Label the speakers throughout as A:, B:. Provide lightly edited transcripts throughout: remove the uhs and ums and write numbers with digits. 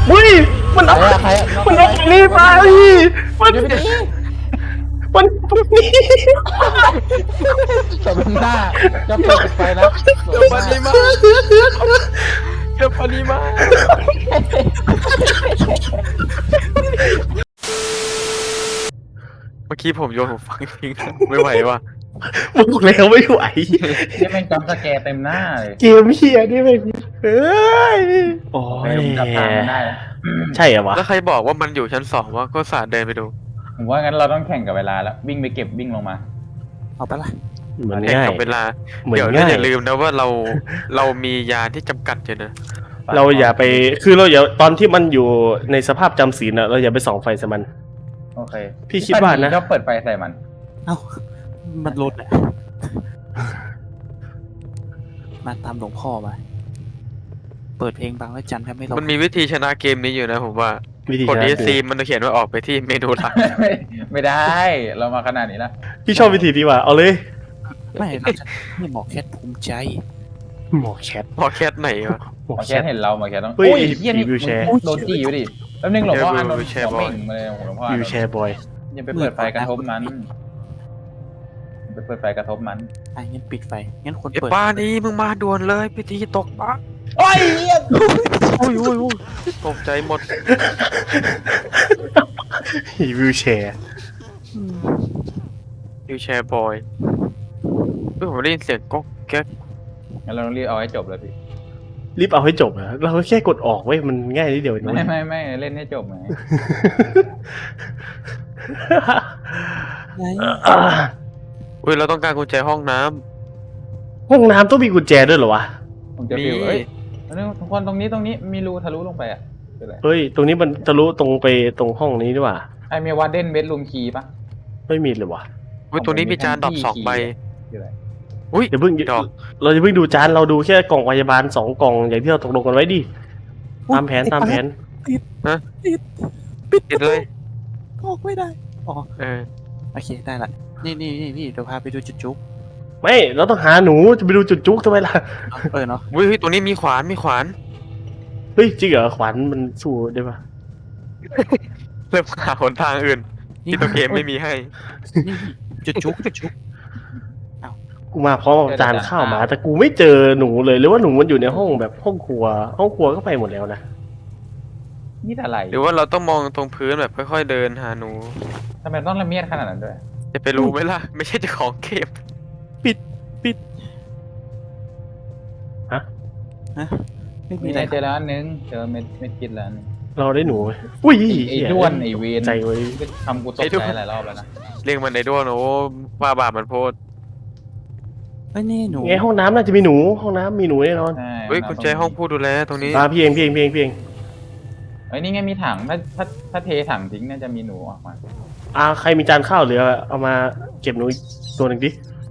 A: อุ้ยมันเอา
B: ใครอะ
A: มันเอาอันนี้ไปมันนี่
B: จบหน้าจะเปิดไฟนะ
C: เดี๋ยวปานีมาเดี๋ยวปานีมาเมื่อกี้ผมโยนหูฟังทิ้งไม่ไหวว่ะ
A: บอกแล้วไม่ไหว
B: นี่เป็นจำสแกร์เต็มหน้าเลย
A: เกมเฮียนี่เป็นเฮ้ยโอ้ย
B: ผมจับทางไม่ได้
A: ใช่เหรอวะ
C: แล้วใครบอกว่ามันอยู่ชั้น2วะก็สาดเดินไปดู
B: ผมว่างั้นเราต้องแข่งกับเวลาแล้ววิ่งไปเก็บวิ่งลงมา
D: เอาไปละ
A: เหมือน
C: แข่ง
A: ง่าย
C: กับเวลา
A: เหมือน
C: เดี๋ยว
A: ง่าย
C: อย่าลืมนะว่าเรามียาที่จำกัดอยู่นะ
A: เราอย่าไปคือเราอย่าตอนที่มันอยู่ในสภาพจำศีลอะเราอย่าไปส่องไฟใส่มัน
B: โอเค
A: พี่คิดว่านะ
B: ก็เปิดไฟใส่มัน
D: เอ้ามันลดแหละมาตามหลวงพ่อมาเปิดเพลงบางแล้วจันทร์แทบไม่ลง
C: มันมีวิธีชนะเกมนี้อยู่นะผมว่า
A: วิธี
C: กด
A: ชนะ
C: ESC มันจะเขียนว่าออกไปที่เมนูหลัก
B: ไม่ได้ เรามาขนาดนี้แล้ว
A: พี่ชอบวิธีนี้ว่ะเอาเลย
D: ไม่เราจะนี่หมอแคทภูมิใจ
A: หมอแคท
C: พอแคทไหนวะ
A: หมอ
B: มา
A: แค
B: แค่
A: ท
B: เห็นเรามาแค่ต้อง
A: เฮ้ย
B: เฮียนี่
A: วิวแชร์
B: มึงโดนจี้อยู่ดิแป๊บนึงหลวงพ่ออานนท์
C: วิวแชร์
B: หัว
C: บอย
B: เม่งมาเลยหลวงพ่ออา
A: วิ
B: น
A: วน แช
B: ท์
A: ร์บอย
B: อย่าไปเปิดไฟกระทบมันไปเปิดไฟกระทบมัน
D: อ่ะงั้นปิดไฟงั้นคน
C: ไอ้
D: เปิด
C: ป้านี้มึงมาด่วนเลยพิธีตกปลา
B: โอ้ยเฮีย
C: อุ้ยตกใจหมด
A: วิวแชร์
D: อืม
C: วิวแชร์บอยเฮ้ยผมได้ยินเสียงก๊อกแก๊ก
B: งั้นเราต้องรีบเอาให้จบเลยพี่
A: รีบเอาให้จบนะเราแค่กดออกเว้ยมันง่ายนิดเดียวเองนะ
B: ไม่เล่นให้จบไง
D: ไง
C: เฮ้ยเราต้องการกุญแจห้องน้
A: ห้องน้ำต้องมีกุญแจด้วยเหรอวะ
B: ผมจะ
C: ำมี
B: ฟิวเอ้ยทุกคนตรงนี้มีรูทะลุลงไปอ่ะคืออะไร
A: เฮ้ยตรงนี้มันทะลุตรงไปตรงห้องนี้ด้วยว่ะ
B: ไอมีวาร์เดนเบดรูมคีย์ปะ
A: ไม่มีเลยวะ
C: เฮ้ยตัวนี้มีจานดอก2 ใบ
B: คืออะไร
C: อุ้ย
A: เดี๋ยวเพิ่ง
C: ดอก
A: เราจะเพิ่งดูจานเราดูแค่กล่องพยาบาล2 กล่องอย่างที่เราตกลงกันไว้ดิตามแผน
C: ติดเลย
D: ออกไม่ได้อ๋อ
C: เออ
D: โอเคได้ละนี่เดี๋ยวพาไปดูจุดจุ๊บ
A: ไม่เราต้องหาหนูจะไปดูจุดจุกทำไมล่ะ
D: เนาะ
C: อุ้ยเฮ้ยตัวนี้มีขวาน
A: เฮ้ยจริงเหรอขวัญมันสู้ได้ปะ
C: เริ่มหาหนทางอื่นที่ตัวเกมไม่มีให้
D: นี่จุดจุ๊บ
A: กูมาพร้อมกับจานข้าวหมาแต่กูไม่เจอหนูเลยหรือว่าหนูมันอยู่ในห้องแบบห้องครัวก็ไปหมดแล้วนะ
B: นี่อะไร
C: หรือว่าเราต้องมองตรงพื้นแบบค่อยๆเดินหาหนู
B: ทำไมต้องละเมียดขนาดนั้นด้วย
C: จะไปรู้ไหมล่ะ ไม่ใช่เจ้าของเกม
D: ไม่มี
B: มี
D: อะ
B: อะไร ไรเจอแล้วอันนึงเจอเม็ดกินแล้วอันนึง
A: เราได้หนูไหมอุ้ย
B: ไอ้ด้วนไอ้เวน
A: ใจไว้
B: ทำกูตกใจหลายรอบแล้วนะ
C: เรียกมันในด้วนโอ้ว่าบาปมันโพด
D: เฮ้ยนี่หนู
A: ไงห้องน้ำน่าจะมีหนูห้องน้ำมีหนูแน่นอน
B: ใช่
C: เฮ้ยกุญแจห้องผู้ดูแลตรงนี้
A: พี่เอง
B: เอ้ยนี่ไงมีถังถ้าเทถังทิ้งน่าจะมีหนูออกมา
A: ใครมีจานข้าวเหลือเอามาเก็บหนูอีกตัวหนึ่งดิ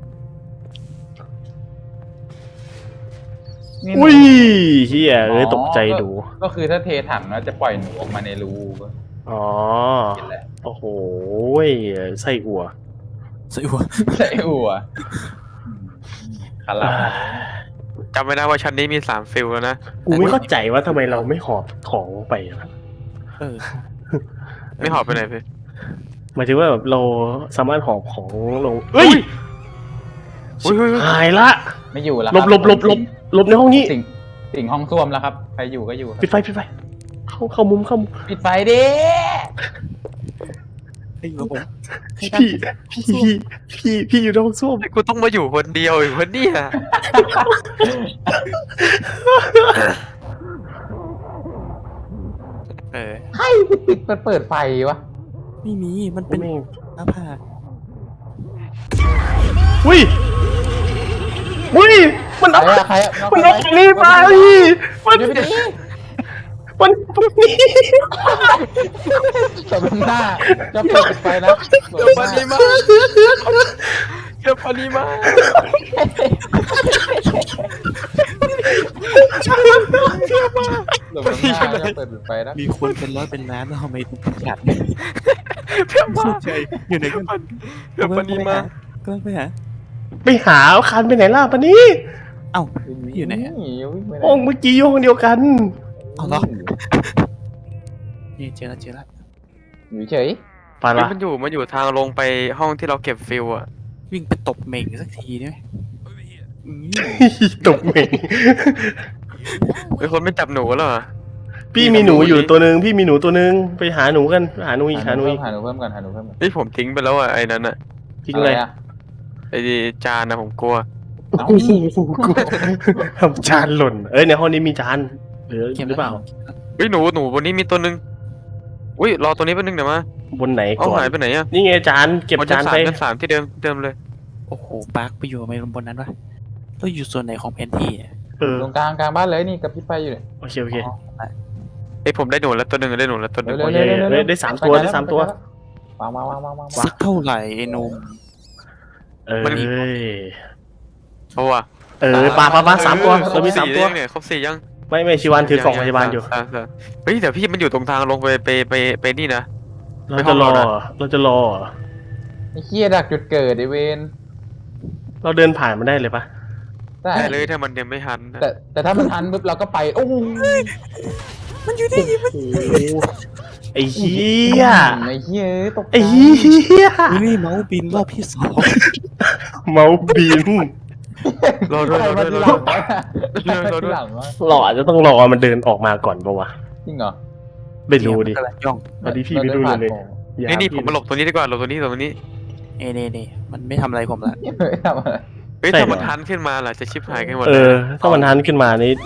B: นี่หนู
A: อุ้ยเฮียตกใจดู
B: ก็คือถ้าเทถังแล้วจะปล่อยหนูออกมาในรูก็
A: อ๋อ
B: กินแหละ
A: โอ้โหไส้อั่ว
D: สวยว่ะ
B: ใช่อัวคารา
C: จำไว้นะว่าชั้นนี้มี3 ฟิลแล้วนะ
A: กูไม่เข้าใจว่าทำไมเราไม่หอบของไปอะ
D: เออ
C: ไม่หอบไปไหนพี่
A: หมายถึงว่าแบบเราสามารถหอบของลงเฮ้ย
C: อุ้ย
A: หายละ
B: ไม่อยู่แล้ว
A: หลบในห้องนี้
B: สิ่งห้องส้วมแล้วครับใครอยู่ก็อยู่ครับ
A: ปิดไฟเข้ามุม
B: ปิดไฟดิ
D: ไอ้ระบบ
A: พี่อยู่ในห้องส้วม
C: กูต้องมาอยู่คนเดียวอีกคนเนี่ย
D: เออ
B: ให้ปิดเปิดไฟวะ
D: ไม่มีมันเป็นหน้าผาก
A: อุ้ยมันเอา
B: ใครอะ
A: มันเอาอันนี้ไปมันนี่
B: จบหน้าจะเปิดไฟนะ
C: เดี๋ยวปานีมาเดี๋ยวปานีมา
B: จบหน้าจะเปิดไฟนะ
D: มีคนเป็นร้อยเป็นล้านแล้วทำไมถึงขาด
C: เพื่อนมา
D: ใจอยู่ไหนกัน
C: เดี๋ยวปานีมา
D: ก็ต้องไปหา
A: ไปหาคันไปไหนล่ะปะนี่
D: เอ้าอยู่ไหนอะ
A: ห้องเมื่อกี้อยู่ห้องเดียวกัน
D: เอาเหรอนี่เจอแล้ว
B: อยู่เฉย
A: ปาน
C: เฮ้ยว
A: ะ
C: มันอยู่ทางลงไปห้องที่เราเก็บฟิลอะ
D: วิ่งไปตบเม่งสักทีได้ไหมอืม
A: ตกเหม่ง
C: ไอ้คนไม่จับหนูแล้วเหรอ
A: พี่มีหนูอยู่ตัวนึงพี่มีหนูตัวนึงไปหาหนูกันหาหนูอีกหาหนูอีก
B: หาหนูเพิ่มก่อนหาหนูเพิ่มก่อน
C: นี่ผมทิ้งไปแล้วอะไอ้นั้นอะ
A: จริงเลย
B: อะ
C: ไอ้จานนะผมกลัว
B: เอ้า
A: โอ้โหทำจานหล่นในห้องนี้มีจานหรือเปล่า
C: เฮ้ยหนูบนนี้มีตัวนึงอุ้ยรอตัวนี้แป๊บนึงเดี๋ยวมา
A: บนไหน
C: เอา
A: ก่อน
C: หายไปไหนอะ
A: นี่ไงจานเก็บจานไป
C: ชั้นสามที่เดิมเลย
D: โอ้โหปาร์คไปอยู่ไม่บนนั้นวะต้องอยู่ส่วนไหนของแผนที่อะ
B: ตรงกลางบ้านเลยนี่กับพี่ไฟอยู่เนี่ย
A: โอเค
D: อ๋อ
C: ไอ้ยผมได้หนูแล้วตัวหนึ่งได้หนูแล้วตัวหนึ่ง
B: เร็ว
A: โอเคได้สามตัวได้สามตัว
B: วาง
D: สักเท่าไหร่ไอ้หนุ่ม
C: เอาว่ะ
A: ปลาสามตัวเรามีสามตัว
C: ยังเนี่ยครบ4ยัง
A: ไม่ชิวันถือกล่องพยาบาลอยู่
C: เฮ้ยแต่พี่มันอยู่ตรงทางลงไปนี่นะ
A: เราจะรอเหรอ
B: ไอ้เหี้ยดักจุดเกิดไอเวน
A: เราเดินผ่านมันได้เลยปะ
B: ได้
C: ได้เลยถ้ามันยังไม่ทันนะ
B: แต่ถ้ามันทันปุ๊บเราก็ไปโอ้โห
D: มันอยู่นี่
A: ไอ้เหี้ย
B: ไอ้เหี้ยตกใจ
A: ไอ้เหี้ย
D: นี่เมาส์บินรอบที่2
A: เมาบิน
C: รอด้วย
B: ใครมาทีหลังวะใครมาทีหลังวะ
A: เราอาจจะต้องรอมันเดินออกมาก่อนปะวะ
B: จริงเหรอ
A: ไม่รู้ดิ
D: กำลังย่อง
A: ตอนนี้พี่ไม่รู้เลย
C: นี่ผมมาหลบตัวนี้ดีกว่าหลบตัวนี้
D: นี่มันไม่ทำอะไรผมละ
B: ไม่ทำอะไร
C: เฮ้ยถ้ามันทันขึ้นมาล่ะจะชิบหายกันหมด
A: ถ้ามันทันขึ้นมานี่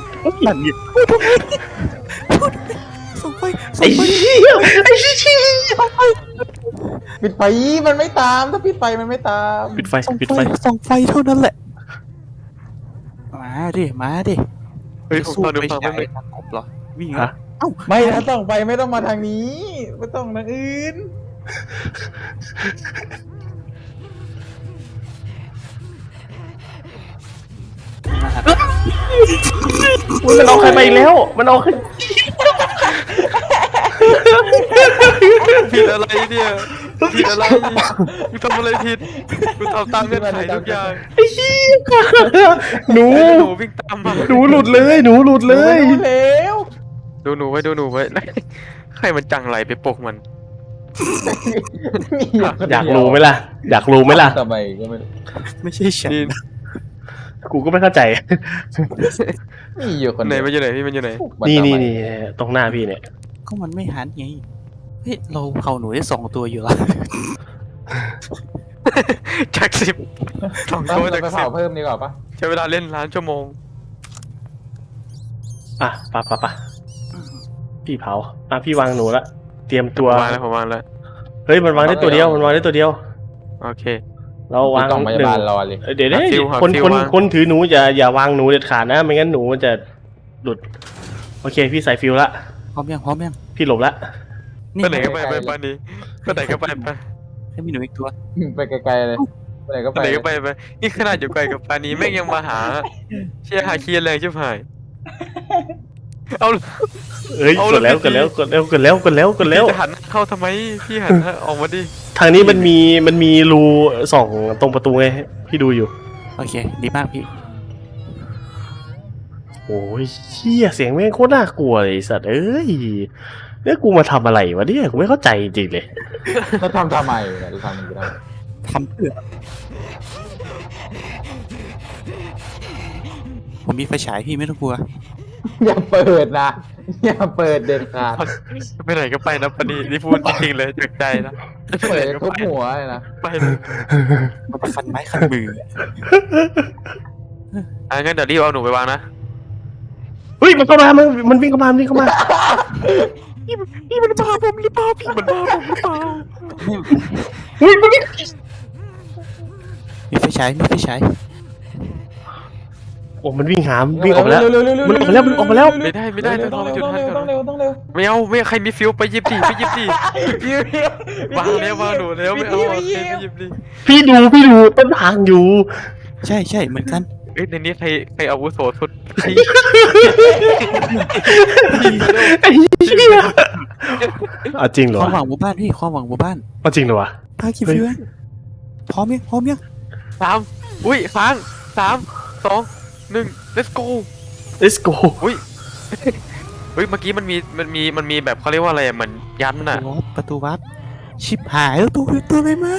D: ส่งไฟ
A: ไอ้เหี้ยไอ้เหี้ย
B: ปิดไฟมันไม่ตามถ้าปิดไฟมันไม่ตาม
A: ปิดไฟ
D: ส่งไฟเท่านั้นแหละมาดิ
C: เฮ้ยผมตอนดูฟัง
D: ไม่
C: ไม่
D: ใช่ทางกบเหรอวิ่ง
A: ฮะ
B: ไม่ถ้าต้องไปไม่ต้องมาทางนี้ไม่ต้องทางอื่น
A: มันเอาใครไปอีกแล้วมันเอาใคร
C: ผิดอะไรเนี่ยผิดอะไรกูทำอะไรผิดกูทำตามเงื่อนไขทุกอย่าง
A: ไอ้เหี้ยหนู
C: หนูวิ่งตามมา
A: หนูหลุดเลยหนูหลุดเลย
B: เร็ว
C: ดูหนูไว้ใครมันจังไหลไปปลุกมัน
A: อยากรู้ไหมล่ะอยากรู้ไหมล่ะ
B: ทำไมก็ไม่รู้
D: ไม่ใช่ฉัน
C: นี่
A: กูก็ไม่เข้าใจ
B: มีอยู่คน
C: ไหน
B: เดียว
C: มันอยู่ไหนพี่มันอยู่ไหน
A: นี่ตรงหน้าพี่เนี่ย
D: ก็มันไม่หันไงเฮ้ยเราเผาหนูได้2 ตัวอยู่แล้ว
C: จาก10 2
B: ต้อง
C: ตัว
B: เรา
C: จาก
B: ไปเผาเพิ่มดีกว่าปะ
C: 10ใช้เวลาเล่นล้านชั่วโมง
A: ปะพี่เผาพี่วางหนูละเตรียมตัว
C: ผมวางแล้ว
A: เฮ้ยมันวางได้ตัวเดียว
C: โอเค
A: เราวาง
B: กล่องพยาบาลรอเลย
A: เดี๋ยว
C: หาฟิว
A: คนถือหนูอย่าวางหนูเด็ดขาดนะไม่งั้นหนูมันจะหลุดโอเคพี่ใส่ฟิวละ
D: พร้อมยัง
A: พี่หลบละ
C: ไปไหนก็ไปป้านี้ไปไหนก็ไป
D: ให้มีหนูอีกตัว
B: ไปไกลๆเลยไปไหนก็
C: ไป
B: ไป
C: ไหนก็ไปนี่ขนาดอยู่ไกลกับปานี้แม่งยังมาหาเชียร์หาเคียร์แรงชิบหายเอา
A: เอ้ย
C: เอา
A: กดแล้ว
C: จะหันเข้าทำไมพี่หันออกมาดิ
A: ทางนี้มันมีรูส่องตรงประตูไงพี่ดูอยู่
D: โอเคดีมากพี่
A: โอ้ยเชี่ยเสียงแม่งโคตรน่ากลัวเลยไอ้สัตว์เอ้ยเนี่ยกูมาทำอะไรวะเนี่ยกูไม่เข้าใจจริงๆเลย
B: เราทำไมเนี่ยเราทำมันก็ได้
D: ทำเพื่อผมมีไฟฉายพี่ไม่ต้องกลัว
B: อย่าเปิดนะอย่าเปิดเด็ดขาด
C: ไปไหนก็ไปนะปานี้นี่พูดจริงๆเลยจากใจนะ
B: เปิดทุบหัวเลยนะ
C: ไปเลย
D: มันคันไม้คันมือ
C: งั้นเดี๋ยวรีบเอาหนูไปวางนะ
A: เฮ้ยมันเข้ามามันวิ่งเข้ามา
C: นี่มันมาผมหรือเปล่าพี่มันมาผมหรือเปล่า
A: เฮ้ยมันวิ่ง
D: มีไฟฉาย
A: โอ้มันวิ่งหามวิ่งออกมาแล้วมันออกมาแล้ว
C: ไม่ได้ต้องจุดทันก่อน
B: ต้องเร็ว
C: ไม่เอาใครมีฟิวไปหยิบดิวางหนูแล้วไม่เอาใครไปหยิบดิ
A: พี่ดูต้นทางอยู่
D: ใช่เหมือนกัน
C: ในนี้ใครอาวุโสสุด
A: ไอ้เหี้ยจริงเหรอ
D: ความหวังหมู่บ้านพี่ความหวังหมู่บ้าน
A: จริงเหรอวะ
D: พากี่ฟิวพร้อมยัง
C: 3อุ้ยค้าง3 2 1 let's go
A: let's go
C: อุ้ยเฮ้ยเมื่อกี้มันมีแบบเขาเรียกว่าอะไรอะเหมือนยันน่ะ
D: ประตูวัดชิบหายแล้วตัวอะไรมา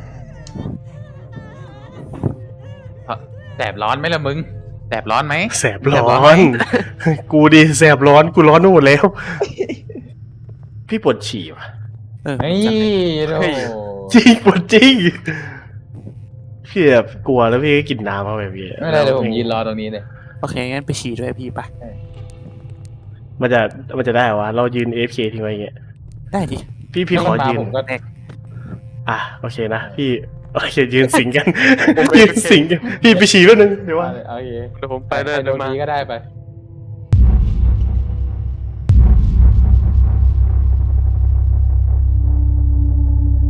B: แสบร้อนไหมล่ะมึงแสบร้อนไหม
A: แสบร้อน กูดิแสบร้อนกูร้อนหมดแล้ว พี่ปวดฉี่ว่ะ
B: เฮ้ย
C: เฮ้
B: โอ้
C: ย
A: จริงปวดจริงพี่แบบกลัวแล้วพี่ก็กินน้ำเข้าไปพี่
B: ไม่เป็นไรเดี๋ยวผมยืนรอตรงนี้เลย
D: โอเคงั้นไปฉี่ด้วยพี่ไป
A: มันจะได้วะเรายืน AFK ทิ้งไว้อย่างเงี้ย
D: ได้ดิ
A: พี่ขอยืน
B: ผมก็
A: อ่ะโอเคนะพี่โอเคยืนสิงกัน ยืนสิงกันพี่ไปฉี่แป๊บนึงเดี๋ยวว่า
B: โอเค
C: เดี๋ยวผมไปเลย
B: โด
C: เดี๋ยวน มา
B: นี้ก็ได้ไป